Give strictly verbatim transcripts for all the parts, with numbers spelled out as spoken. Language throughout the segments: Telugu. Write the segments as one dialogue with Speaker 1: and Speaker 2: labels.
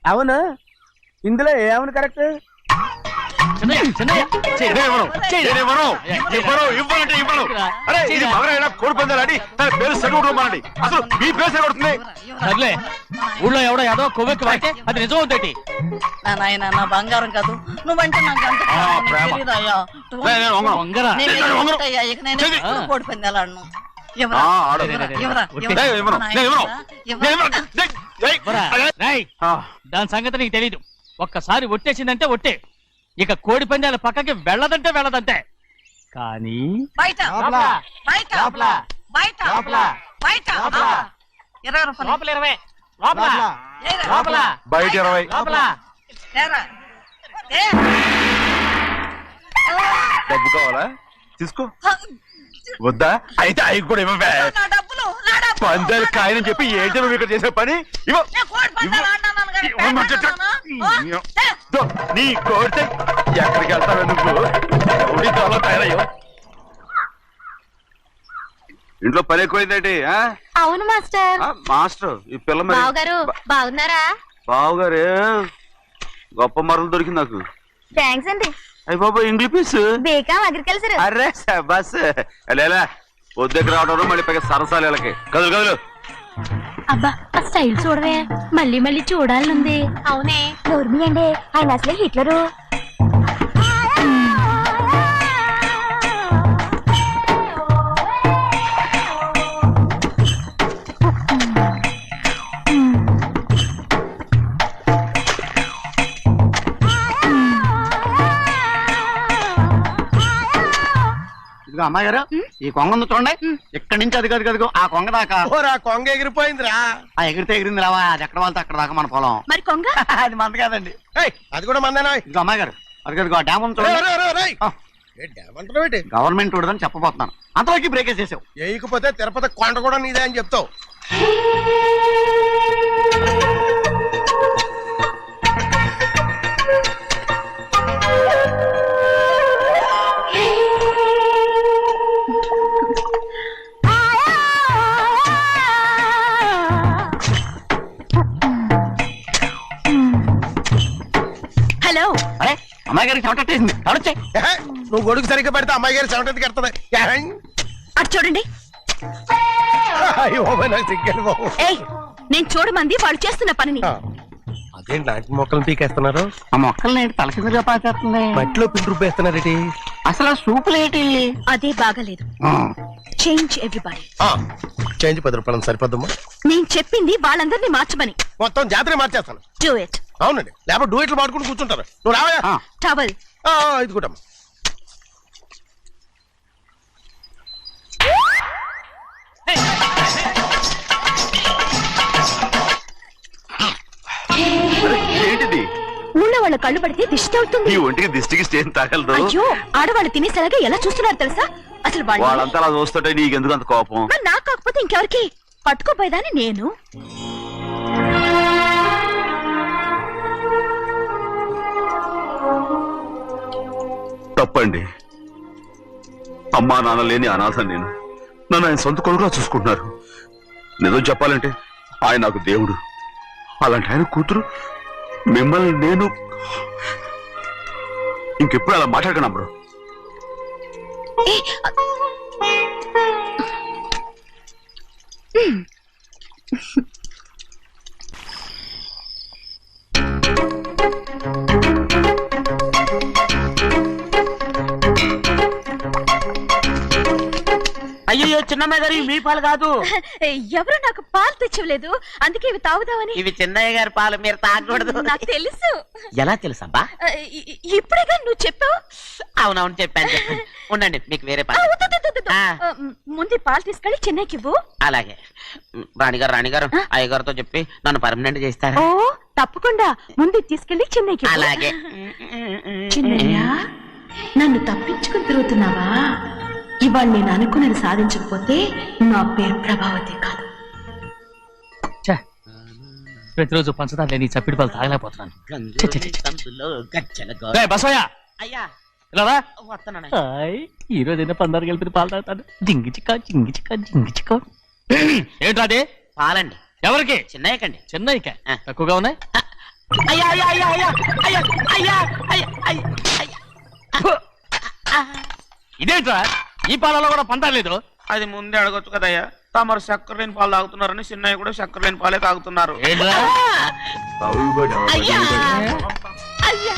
Speaker 1: అవును, ఇందులో ఏమని కరెక్ట్?
Speaker 2: కోడి పందాలని తన పేరు సెలవుకోమండి. అసలు మీ పేరు సెలవుతుంది.
Speaker 3: సర్లే, ఊళ్ళో ఎవడో ఏదో కొవ్వెక్కి వాడితే అది నిజం అవుతాయి.
Speaker 4: నా నాయన నా బంగారం కాదు, నువ్వంటే నాకు అంత తెలీదయ్యా. ఇక నేను ఎప్పుడు కోడి పందాలు ఆడను.
Speaker 3: దాని సంగతి నీకు తెలీదు. ఒక్కసారి ఒట్టేసిందంటే ఒట్టే, ఇక కోడి పందాల పక్కకి వెళ్ళదంటే వెళ్ళదంటే. కానీ
Speaker 4: బయట బయట బయట బయట ఇరవై రూపాయలు
Speaker 3: లోపల ఇరవై, లోపల లోపల
Speaker 2: బయట ఇరవై,
Speaker 3: లోపల
Speaker 2: డబ్బు కావాలా? తీసుకో. వద్దా? అయితే అవి కూడా ఇవ్వవే. పందాలు కాయని చెప్పి ఏంటి నువ్వు ఇక్కడ చేసే పని? ఇవ్వ నీ కోరితే ఎక్కడికి వెళ్తావు నువ్వు? తయారయ్యో. ఇంట్లో పని ఎక్కువైందండి.
Speaker 5: అవును మాస్టర్.
Speaker 2: మాస్టర్ ఈ పిల్ల
Speaker 5: బావగారు బాగున్నారా?
Speaker 2: బావగారే గొప్ప మరలు దొరికింది నాకు.
Speaker 5: థ్యాంక్స్ అండి.
Speaker 2: అయ్యి బాబా ఇంగ్లీష్ పీస్
Speaker 5: బీకాం అగ్రికల్చర్.
Speaker 2: అరే బస్ లేలా వద్దకు రావడం మళ్ళీ పైగా సరసాలు వీళ్ళకి. కదులు కదులు.
Speaker 5: అబ్బా ఆ స్టైల్ చూడవే, మళ్ళీ మళ్ళీ చూడాలనుంది. అవునే, నోర్మి అండి, ఆయన అసలే హిట్లరు.
Speaker 1: అమ్మాయి గారు, ఈ కొంగ ఉంది చూడండి, ఇక్కడి నుంచి అది కది కదిగో ఆ కొంగ దాకా.
Speaker 6: కొంగ ఎగిరిపోయిందిరా.
Speaker 1: ఆ ఎగిరితే ఎగిరింది రావా, అది ఎక్కడ వాళ్ళతో అక్కడ దాకా మన పొలం.
Speaker 5: మరి కొంగ
Speaker 1: అది మంద కాదండి.
Speaker 6: అది కూడా మందేనా?
Speaker 1: ఇదిగో అమ్మాయి గారు, అది కదిగో డ్యామ్ ఉంది చూడండి. గవర్నమెంట్ చూడదని చెప్పబోతున్నాను, అంతలోకి బ్రేక్ వేసేసావు.
Speaker 6: వేయకపోతే తిరుపతి కొండ కూడా నీదే అని చెప్తావు.
Speaker 5: హలో.
Speaker 1: అరే అమ్మాయి గారికి చెమటేసింది, తడొచ్చే.
Speaker 6: నువ్వు గొడుగు సరిగ్గా పెడితే అమ్మాయి గారి చెమటెత్తి కడుతుంది.
Speaker 5: అటు చూడండి. ఏయ్, నేను చూడమంది వాళ్ళు చేస్తున్న పనిని.
Speaker 6: అదేంటి లాంటి మొక్కలను పీకేస్తున్నారు?
Speaker 1: ఆ మొక్కల్ని ఏంటి తల కిందగా పాచేస్తుంది?
Speaker 6: మట్టిలో పిండి రూపేస్తున్నారేటి?
Speaker 1: అసలు సూపులేటి?
Speaker 5: అదే బాగాలేదు. Change everybody.
Speaker 6: చేంజ్ పది రూపాయలు సరిపోద్దమ్మా.
Speaker 5: నేను చెప్పింది వాళ్ళందరినీ మార్చమని.
Speaker 6: మొత్తం జాతర మార్చేస్తాను.
Speaker 5: Do it.
Speaker 6: అవునండి, లేకపోతే డూ ఇట్లు మాడుకుంటూ కూర్చుంటారు. నువ్వు రావా?
Speaker 5: టవల్
Speaker 6: ఇది కూడా
Speaker 2: ఏంటిది?
Speaker 5: ఊళ్ళో వాళ్ళ కళ్ళు పడితే దిష్టి అవుతుంది.
Speaker 2: ఈ ఒంటికి దిష్టికి స్టేన్ తగలదు.
Speaker 5: అయ్యో, ఆడవాళ్ళు తినేసరిగా ఎలా చూస్తున్నారు తెలుసా? అసలు
Speaker 2: వాళ్ళంతా అలా చూస్తుంటే నీకెందుకు అంత కోపం?
Speaker 5: మరి నాకు కాకపోతే ఇంకెవరికి? పట్టుకోపోయేదాన్ని నేను.
Speaker 2: తప్పండి. అమ్మా నాన్న లేని అనాథ నేను. నన్ను ఆయన సొంత కొడుకులా చూసుకుంటున్నారు. నిజం చెప్పాలంటే ఆయన నాకు దేవుడు. అలాంటి ఆయన కూతురు మిమ్మల్ని నేను ఇంకెప్పుడు అలా మాట్లాడకను బ్రో.
Speaker 1: అయ్యో చిన్నమ్మాయి గారు, మీ పాలు కాదు.
Speaker 5: ఎవరు నాకు పాలు తెచ్చలేదు, అందుకే ఇవి తాగుదామని.
Speaker 1: ఇవి చిన్నయ్య గారి పాలు, మీరు తాగకూడదు.
Speaker 5: నాకు తెలుసు.
Speaker 1: ఎలా తెలుసబ్బా?
Speaker 5: ఇప్పుడేగా నువ్వు చెప్పావు.
Speaker 1: అవునవును చెప్పాను చెప్పాను. ఉండండి, మీకు వేరే పాలు.
Speaker 5: ముందు పాలు తీసుకెళ్ళి చెన్నైకి ఇవ్వు.
Speaker 1: అలాగే. రాణిగారు రాణిగారు అయ్యగారితో చెప్పి నన్ను పర్మనెంట్ చేస్తారా?
Speaker 5: ఓ తప్పకుండా, ముందు తీసుకెళ్ళి చెన్నైకి.
Speaker 1: అలాగే.
Speaker 5: చిన్నయ్య, నన్ను తప్పించుకుని తిరుగుతున్నావా? ఇవాళ నేను అనుకున్నది సాధించకపోతే నా పేరు ప్రభావతి కాదు.
Speaker 3: ప్రతిరోజు పంచదార లేని చప్పిడి పాలు తాగలేకపోతున్నాను. ఈ రోజైనా పందారు కలిపి పాలు తాగుతాను. జింగి చిక్క జింగి చిక్క జింగి చిక్క. ఏంట్రా అదే?
Speaker 1: పాలండి.
Speaker 3: ఎవరికి?
Speaker 1: చిన్నయ్యకండి.
Speaker 3: చిన్నయ్యక తక్కువగా ఉన్నాయి. అయ్యా అయ్యా అయ్యా అయ్యా అయ్యా అయ్యా అయ్యా అయ్యా అయ్యా. ఇదేంట్రా ఈ పాలలో కూడా పంటలేదు?
Speaker 7: అది ముందే అడగొచ్చు కదయ్యా. తమరు చక్కెర లేని పాలు తాగుతున్నారని చిన్నయ్య కూడా చక్కెర లేని పాలే తాగుతున్నారు.
Speaker 3: ఏంట్రా
Speaker 5: అయ్యా అయ్యా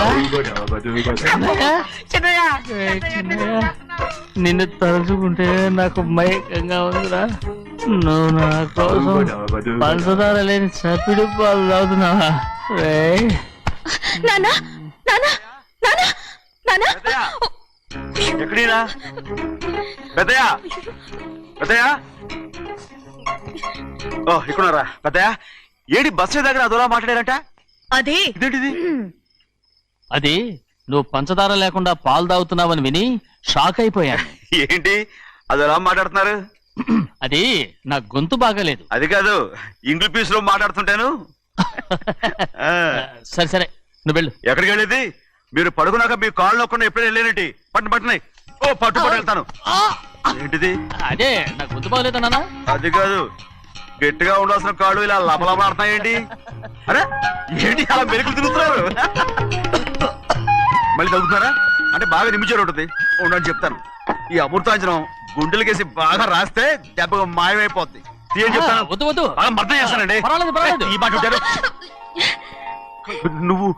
Speaker 3: ఏంట్రా? నిన్ను తలుచుకుంటే నాకు మైకంగా ఉందిరా. నువ్వు నా కోసం పంచదార లేని చప్పిడి పాలు తాగుతున్నావా? రేయ్.
Speaker 5: నానా నానా నానా నానా
Speaker 2: ఎక్కడీనా పెద్దయా పెద్దయా ఓ ఇక్కడున్నారా పెద్దయా? ఏడి బస్సు దగ్గర అదోలా మాట్లాడారంట.
Speaker 5: అదే
Speaker 2: ఇదేంటిది?
Speaker 3: అది నువ్వు పంచదార లేకుండా పాలు తాగుతున్నావని విని షాక్ అయిపోయాను.
Speaker 2: ఏంటి అదోలా మాట్లాడుతున్నారు?
Speaker 3: అది నా గొంతు బాగాలేదు.
Speaker 2: అది కాదు, ఇంగ్లీష్ పీస్ లో మాట్లాడుతుంటాను. ఆ,
Speaker 3: సరే సరే నువ్వు వెళ్ళు.
Speaker 2: ఎక్కడికి వెళ్ళేది? మీరు పడుకున్నాక మీ కాళ్ళు నొక్కకుండా ఎప్పుడైనా వెళ్ళేనంటి? పట్టు పట్టునాయి. ఓ పట్టు పట్టు వెళ్తాను. ఏంటిది?
Speaker 3: అదే నా గొంతు బాగలేదన్నా.
Speaker 2: అది కాదు, గట్టిగా ఉండాల్సిన కాళ్ళు ఇలా లబలబలాడుతున్నాయేంటి? అరే ఏంటి అలా మెరుకులు తిరుగుతున్నారు? మళ్ళీ తగ్గుతున్నారా? అంటే బాగా నిమిషాలు ఉంటుంది. ఉండని చెప్తాను. ఈ అమృతాంజనం గుండెలకేసి బాగా రాస్తే దెబ్బగా మాయమైపోద్ది. తీయని చెప్తాను.
Speaker 3: వద్దు వద్దు,
Speaker 2: బాగా మర్దం చేస్తానండి.
Speaker 3: పర్వాలేదు పర్వాలేదు.
Speaker 2: ఈ మాట ఉంటారు నువ్వు.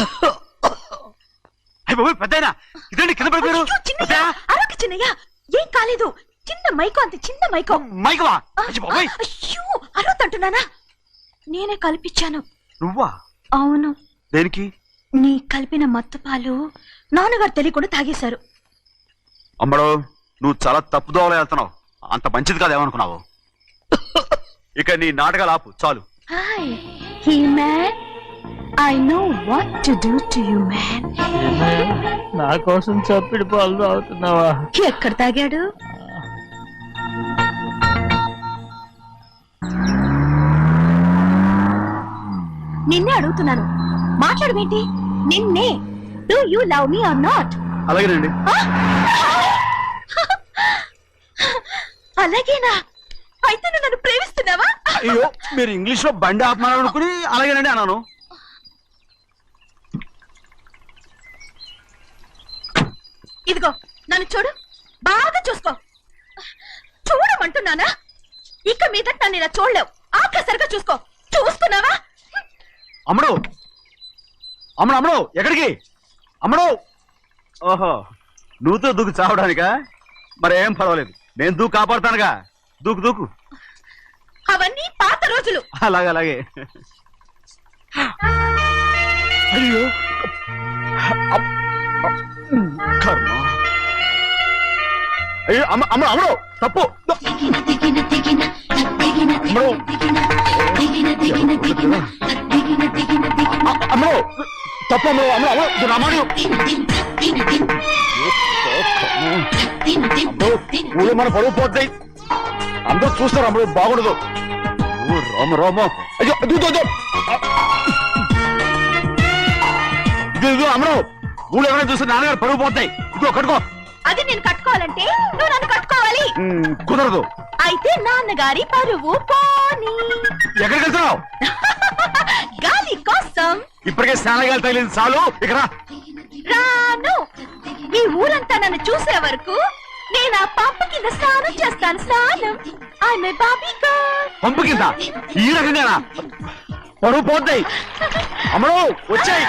Speaker 2: పెద్దయినా ఇదండి కింద పడిపోయారు.
Speaker 5: అరొక చిన్నయ్య ఏం కాలేదు. చిన్న మైకో, అంత చిన్న మైకో.
Speaker 2: మైకవా?
Speaker 5: అయ్యో అరవతంటున్నానా? నేనే కల్పించాను.
Speaker 2: నువ్వా?
Speaker 5: అవును.
Speaker 2: దేనికి?
Speaker 5: నీ కలిపిన మత్తు పాలు నాన్నగారు తెలియకుండా తాగేశారు.
Speaker 2: అమ్మడో, నువ్వు చాలా తప్పు దోవలో వెళ్తున్నావు. అంత మంచిది కాదు ఏమనుకున్నావు? ఇక నీ నాటకాలు ఆపు చాలు.
Speaker 5: Hi he man, I know what to do to you man.
Speaker 3: నా కోసం చప్పిడి పాలు తాగుతున్నావా?
Speaker 5: ఎక్కడ తాగాడు? నిన్నే అడుగుతున్నాను, మాట్లాడమేంటి? నిన్నే. Do you love me or not?
Speaker 2: అలాగేనండి.
Speaker 5: అలాగేనా? అయితే నువ్వు నన్ను ప్రేమిస్తున్నావా?
Speaker 2: అయ్యో, మీరు ఇంగ్లీష్ లో బండి ఆపమాలనుకుని అలాగేనండి అన్నాను.
Speaker 5: ఇదిగో నన్ను చూడు, బాగా చూసుకో. చూడమంటున్నానా? ఇక మీద నన్ను ఇలా చూడలేవు. ఆఖసరిగా చూసుకో. చూసుకున్నావా?
Speaker 2: అమ్మడు అమ్మడు అమ్మడు ఎక్కడికి? అమ్మడు. ఓహో, నువ్వుతో దూకు చావడానికా? మరేం పర్వాలేదు, నేను దూకు కాపాడుతానుగా. దూకు దూకు.
Speaker 5: అవన్నీ పాత రోజులు.
Speaker 2: అలాగే అలాగే. అయ్యో అమ్- కర్మ. అయ్యో అమ్మ అమ్మ అమ్మడు తప్పు. అమ్మడు అమ్మడు తప్పు. అమ్మడు అమ్మడు అమ్మడు రామాడు. ఊళ్ళో మన పరువు పోతాయి. అందరూ చూస్తారు. అమ్మడు బాగుండదు. ఓ రామ రామ. అయ్యో దూతో ఇదిగో అమ్మడు, ఊళ్ళో ఎవరైనా చూస్తే నాన్నగారు పరువు పోతాయి. ఇదిగో కట్టుకో.
Speaker 5: అది నేను కట్టుకోవాలంటే నువ్వు నన్ను కట్టుకోవాలి.
Speaker 2: ఉమ్, కుదరదు.
Speaker 5: అయితే నాన్నగారి పరువు పోనీ.
Speaker 2: ఎక్కడికి వెళ్తున్నావు?
Speaker 5: గాలి కోసం.
Speaker 2: ఇప్పటికే స్నానగాలు తగిలింది చాలు. ఇక్కడ రా.
Speaker 5: రాను. ఈ ఊరంతా నన్ను చూసే వరకు నేను ఆ పంపు కింద స్నానం చేస్తాను. స్నానం. ఐఎమ్ ఏ బాబీ గర్ల్.
Speaker 2: పంపు కింద ఈ రకంగా పరువు పోతాయి. అమ్మడు వచ్చాయి.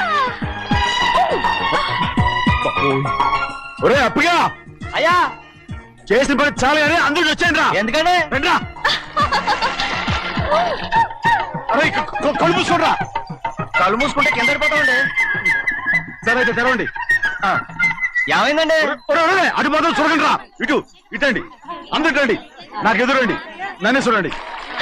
Speaker 2: ఒరే అప్పగా,
Speaker 3: అయ్యా
Speaker 2: చేసిన పని చాలు కానీ అందరికి వచ్చాను రా.
Speaker 3: ఎందుకంటే
Speaker 2: రండిరా. అరే క- క- కళ్ళు మూసుకోండిరా.
Speaker 3: కళ్ళు మూసుకుంటే కింద పడిపోతామండి.
Speaker 2: సరే అయితే తెరవండి. ఆ.
Speaker 3: ఏమైందండి?
Speaker 2: ఒరే, ఒరే, ఒరే, అటు మాత్రం చూడండి రా. ఇటు ఇటండి. అందరు రండి. నాకు ఎదురండి. నన్నే చూడండి.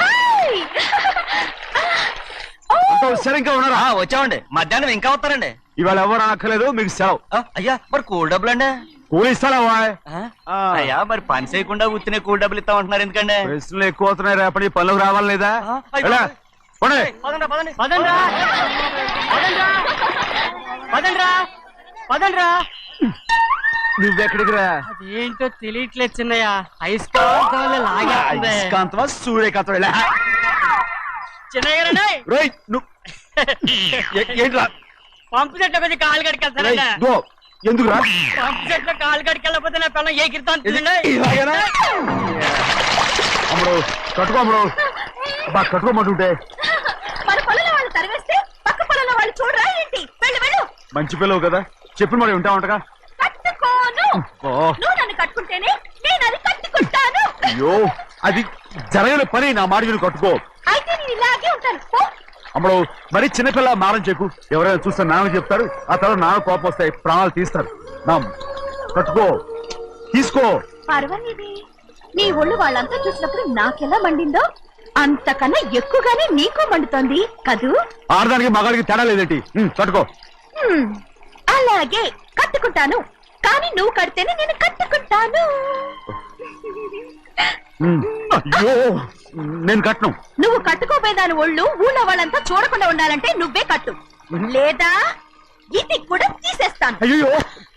Speaker 2: అంతా సరే ఇంకా ఉన్నారా?
Speaker 3: వచ్చామండి. మధ్యాహ్నం ఇంకా వస్తారండి.
Speaker 2: ఇవాళ ఎవరు అనక్కర్లేదు, మీకు సెలవు.
Speaker 3: అయ్యా మరి కూల్ డబ్బులు అండి?
Speaker 2: కూలి ఇస్తారా?
Speaker 3: అయ్యా మరి పని చేయకుండా ఉత్తినే కూల్ డబ్బులు ఇస్తామంటున్నారు ఎందుకండి?
Speaker 2: ప్రశ్నలు ఎక్కువ అవుతున్నాయి. రేపటి పనులకు రావాలి లేదా?
Speaker 3: అయ్యో.
Speaker 2: ఎలా? పోనీ.
Speaker 3: పదండ్రా, పదండి. పదండ్రా. పదండ్రా. పదండ్రా. పదండ్రా.
Speaker 2: నువ్వెక్కడికి రా?
Speaker 3: ఏంటో తెలియట్లేదు చిన్నయ్య. అయస్కాంతం లాగేస్తుంది.
Speaker 2: అయస్కాంతమా సూర్యకాంతం?
Speaker 3: చిన్నయ్య
Speaker 2: రేయ్, నువ్వు
Speaker 1: ఏ- ఏంట్రా
Speaker 3: పంపు చెట్ల కొద్ది కాలు
Speaker 1: రేయ్,
Speaker 3: కడికెళ్తానండి
Speaker 1: ఇదిగో, ఎందుకురా
Speaker 3: పంపు చెట్ల కాలు కడికెళ్ళకపోతే నా పిల్లలు ఏ కిర్తాను
Speaker 1: ఇది- ఇలాగేనా? అమ్ముడు కట్టుకో అమ్ముడు అబ్బా కట్టుకోమంటుంటే
Speaker 5: మన పొలంలో వాళ్ళు తరివేస్తే పక్క పొలంలో వాళ్ళు చూడరా ఏంటి? వెళ్ళు వెళ్ళు.
Speaker 1: మంచి పిల్లవు కదా చెప్పిన మరి ఉంటావంటగా
Speaker 5: కట్టుకోను.
Speaker 1: ఓ
Speaker 5: నువ్వు నన్ను కట్టుకుంటేనే నేను అది కట్టుకుంటాను.
Speaker 1: అయ్యో అది జరగని పని నా మాట విని కట్టుకో
Speaker 5: అయితే నేను ఇలాగే ఉంటాను. పో.
Speaker 1: అమ్మడు మరి చిన్నపిల్ల మారం చెక్కు ఎవరైనా చూస్తే నాన్న చెప్తారు ఆ తర్వాత నాన్న కోపం వస్తాయి ప్రాణాలు తీస్తారు నా కట్టుకో తీసుకో
Speaker 5: పర్వాలేదే, నీ ఒళ్ళు వాళ్ళంతా చూసినప్పుడు నాకెలా మండిందో అంతకన్నా ఎక్కువగానే నీకు మండుతోంది కదూ?
Speaker 1: ఆడదానికి మగాడికి తేడా లేదేంటి ఉమ్, కట్టుకో
Speaker 5: హ్మ్, అలాగే కట్టుకుంటాను. కానీ నువ్వు కడితేనే నేను కట్టుకుంటాను.
Speaker 1: ఉమ్, అయ్యో నేను కట్టను
Speaker 5: నువ్వు కట్టుకోపోయేదాని ఒళ్ళు ఊళ్ళో వాళ్ళంతా చూడకుండా ఉండాలంటే నువ్వే కట్టు, లేదా ఇది కూడా తీసేస్తాను.
Speaker 1: అయ్యో